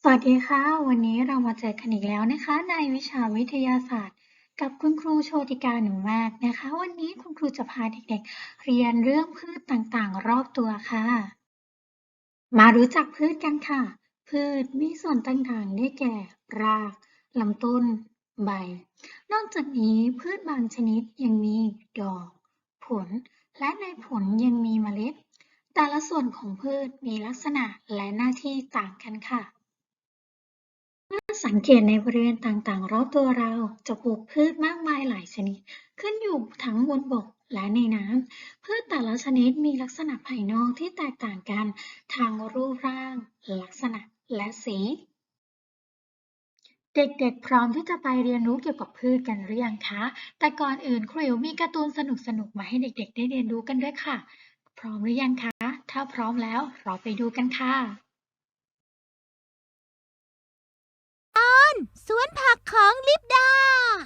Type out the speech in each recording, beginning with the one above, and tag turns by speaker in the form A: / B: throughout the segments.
A: สวัสดีค่ะวันนี้เรามาเจอกันอีกแล้วนะคะในวิชาวิทยาศาสตร์กับคุณครูโชติกาหนูมากนะคะวันนี้คุณครูจะพาเด็กๆเรียนเรื่องพืชต่างๆรอบตัวค่ะมารู้จักพืชกันค่ะพืชมีส่วนต่างๆได้แก่รากลำต้นใบนอกจากนี้พืชบางชนิดยังมีดอกผลและในผลยังมีเมล็ดแต่ละส่วนของพืชมีลักษณะและหน้าที่ต่างกันค่ะ สังเกตในบริเวณต่างๆรอบตัวเราจะปลูกพืชมากมายหลายชนิดขึ้นอยู่ทั้งบนบกและในน้ำพืชแต่ละชนิดมีลักษณะภายนอกที่แตกต่างกันทางรูปร่างลักษณะและสีเด็กๆพร้อมที่จะไปเรียนรู้เกี่ยวกับพืชกันหรือยังคะแต่ก่อนอื่นครูอิ๋วมีการ์ตูนสนุกๆมาให้เด็กๆได้เรียนรู้กันด้วยค่ะพร้อมหรือยังคะถ้าพร้อมแล้วเราไปดูกันค่ะ
B: สวนผักของลิปดา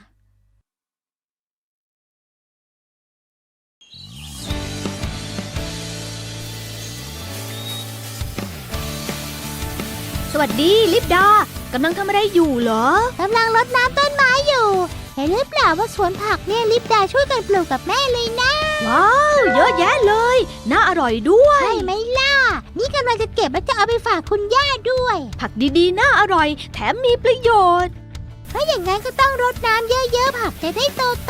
B: สวัสดีลิปดากำลังทำอะไรอยู่เหรอกำลังรดน้ำต้นไม้อยู่เห็นหรือเปล่าว่าสวนผักเนี่ยลิปดาช่วยกันปลูกกับแม่เลยนะว้าวเยอะแยะเลยน่าอร่อยด้วยใช่ไหมล่ะนี่กำลังจะเก็บแล้วจะเอาไปฝากคุณย่าด้วยผักดีๆน่าอร่อยแถมมีประโยชน์ถ้าอย่างนั้นก็ต้องรดน้ำเยอะๆผักจะได้โต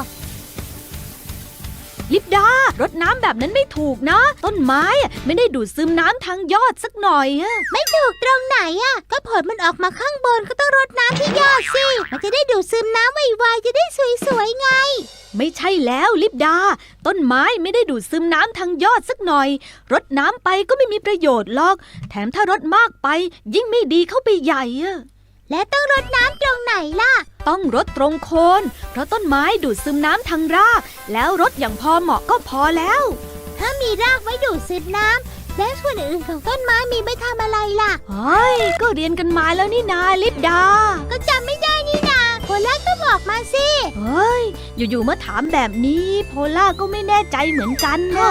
B: ลิปดารดน้ำแบบนั้นไม่ถูกนะต้นไม้ไม่ได้ดูดซึมน้ำทางยอดสักหน่อยไม่ถูกตรงไหนก็ผลมันออกมาข้างบนก็ต้องรดน้ำที่ยอดสิมันจะได้ดูดซึมน้ำไวๆจะได้สวยๆไงไม่ใช่แล้วลิปดาต้นไม้ไม่ได้ดูดซึมน้ำทางยอดสักหน่อยรดน้ำไปก็ไม่มีประโยชน์หรอกแถมถ้ารดมากไปยิ่งไม่ดีเข้าไปใหญ่และต้องรดน้ำตรงไหนล่ะต้องรดตรงโคนเพราะต้นไม้ดูดซึมน้ำทางรากแล้วรดอย่างพอเหมาะก็พอแล้วถ้ามีรากไว้ดูดซึมน้ำแล้วส่วนอื่นของต้นไม้มีไว้ทำอะไรล่ะเฮ้ยก็เรียนกันมาแล้วนี่นาลิปดาก็จำไม่ได้นี่นาโพล่าก็บอกมาสิเฮ้ยอยู่ๆมาถามแบบนี้โพล่าก็ไม่แน่ใจเหมือนกันนะ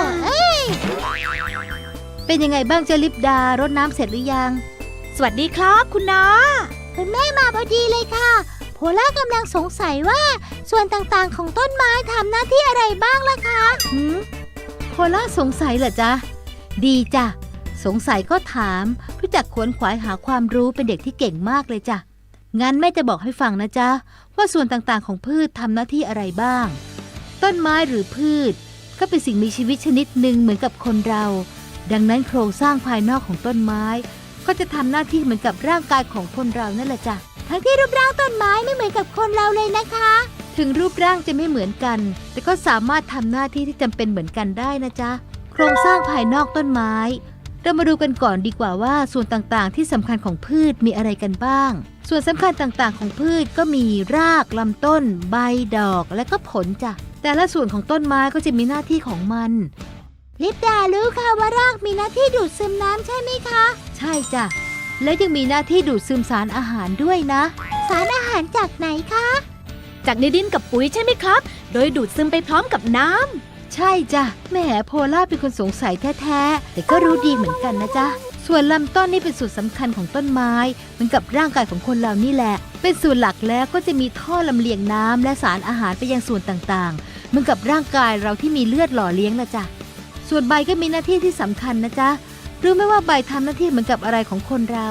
B: เป็นยังไงบ้างเจ้าลิปดารดน้ำเสร็จหรือยังสวัสดีครับคุณนาคุณแม่มาพอดีเลยค่ะโพล่ากำลังสงสัยว่าส่วนต่างๆของต้นไม้ทำหน้าที่อะไรบ้างล่ะคะโพล่าสงสัยเหรอจ๊ะดีจ้ะสงสัยก็ถามรู้จักขวนขวายหาความรู้เป็นเด็กที่เก่งมากเลยจ้ะงั้นแม่จะบอกให้ฟังนะจ๊ะว่าส่วนต่างๆของพืชทำหน้าที่อะไรบ้างต้นไม้หรือพืชก็เป็นสิ่งมีชีวิตชนิดหนึ่งเหมือนกับคนเราดังนั้นโครงสร้างภายนอกของต้นไม้ก็จะทำหน้าที่เหมือนกับร่างกายของคนเรานั่นแหละจ้ะทั้งที่รูปร่างต้นไม้ไม่เหมือนกับคนเราเลยนะคะถึงรูปร่างจะไม่เหมือนกันแต่ก็สามารถทำหน้าที่ที่จำเป็นเหมือนกันได้นะจ๊ะโครงสร้างภายนอกต้นไม้เรามาดูกันก่อนดีกว่าว่าส่วนต่างๆที่สำคัญของพืชมีอะไรกันบ้างส่วนสำคัญต่างๆของพืชก็มีรากลำต้นใบดอกและก็ผลจ้ะแต่ละส่วนของต้นไม้ก็จะมีหน้าที่ของมันลิปดารู้ค่ะว่ารากมีหน้าที่ดูดซึมน้ำใช่ไหมคะใช่จ้ะและยังมีหน้าที่ดูดซึมสารอาหารด้วยนะสารอาหารจากไหนคะจากในดินกับปุ๋ยใช่ไหมครับโดยดูดซึมไปพร้อมกับน้ำใช่จ้ะแม่โพล่าเป็นคนสงสัยแท้ๆแต่ก็รู้ดีเหมือนกันนะจ๊ะส่วนลำต้นนี่เป็นส่วนสำคัญของต้นไม้เหมือนกับร่างกายของคนเรานี่แหละเป็นส่วนหลักแล้วก็จะมีท่อลำเลียงน้ำและสารอาหารไปยังส่วนต่างๆเหมือนกับร่างกายเราที่มีเลือดหล่อเลี้ยงนะจ๊ะส่วนใบก็มีหน้าที่ที่สำคัญนะจ๊ะรู้ไหมว่าใบทำหน้าที่เหมือนกับอะไรของคนเรา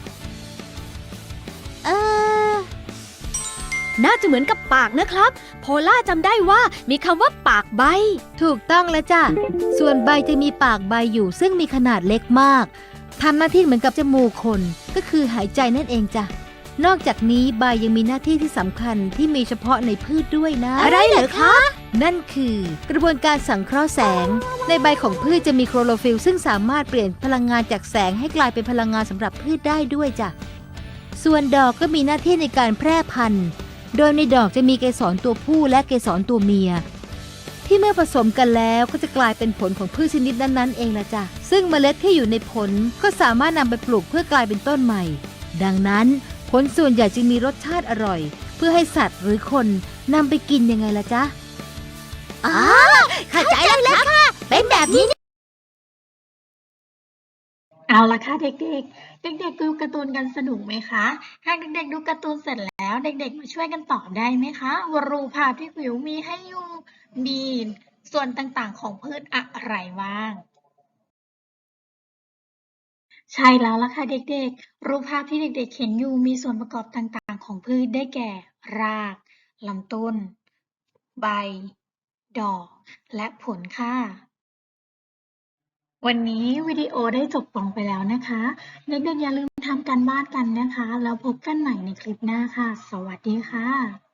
B: น่าจะเหมือนกับปากนะครับโพล่าจำได้ว่ามีคำว่าปากใบถูกต้องแล้วจ้ะส่วนใบจะมีปากใบอยู่ซึ่งมีขนาดเล็กมากทำหน้าที่เหมือนกับจมูกคนก็คือหายใจนั่นเองจ้ะนอกจากนี้ใบยังมีหน้าที่ที่สำคัญที่มีเฉพาะในพืชด้วยนะอะไรเหรอคะนั่นคือกระบวนการสังเคราะห์แสงในใบของพืชจะมีโคลอโรฟิลล์ซึ่งสามารถเปลี่ยนพลังงานจากแสงให้กลายเป็นพลังงานสำหรับพืชได้ด้วยจ้ะส่วนดอกก็มีหน้าที่ในการแพร่พันธุ์โดยในดอกจะมีเกสรตัวผู้และเกสรตัวเมียที่เมื่อผสมกันแล้วก็จะกลายเป็นผลของพืชชนิดนั้นๆเองละจ้ะซึ่งเมล็ดที่อยู่ในผลก็สามารถนำไปปลูกเพื่อกลายเป็นต้นใหม่ดังนั้นผลส่วนใหญ่จึงมีรสชาติอร่อยเพื่อให้สัตว์หรือคนนำไปกินยังไงล่ะจ๊ะเข้าใจแล้วค่ะเป็นแบบนี้
A: เอาละค่ะเด็กๆ เด็กๆดูการ์ตูนกันสนุกไหมคะหากเด็กๆดูการ์ตูนเสร็จแล้วเด็กๆมาช่วยกันตอบได้ไหมคะว่ารูปภาพที่วิวมีให้อยู่มีส่วนต่างๆของพืชอะไรบ้าง ใช่แล้วล่ะค่ะเด็กๆ รูปภาพที่เด็กๆเห็นอยู่มีส่วนประกอบต่างๆของพืชได้แก่ ราก ลำต้น ใบ ดอก และผลค่ะ วันนี้วิดีโอได้จบลงไปแล้วนะคะ เด็กๆอย่าลืมทำการบ้านกันนะคะ แล้วพบกันใหม่ในคลิปหน้าค่ะ สวัสดีค่ะ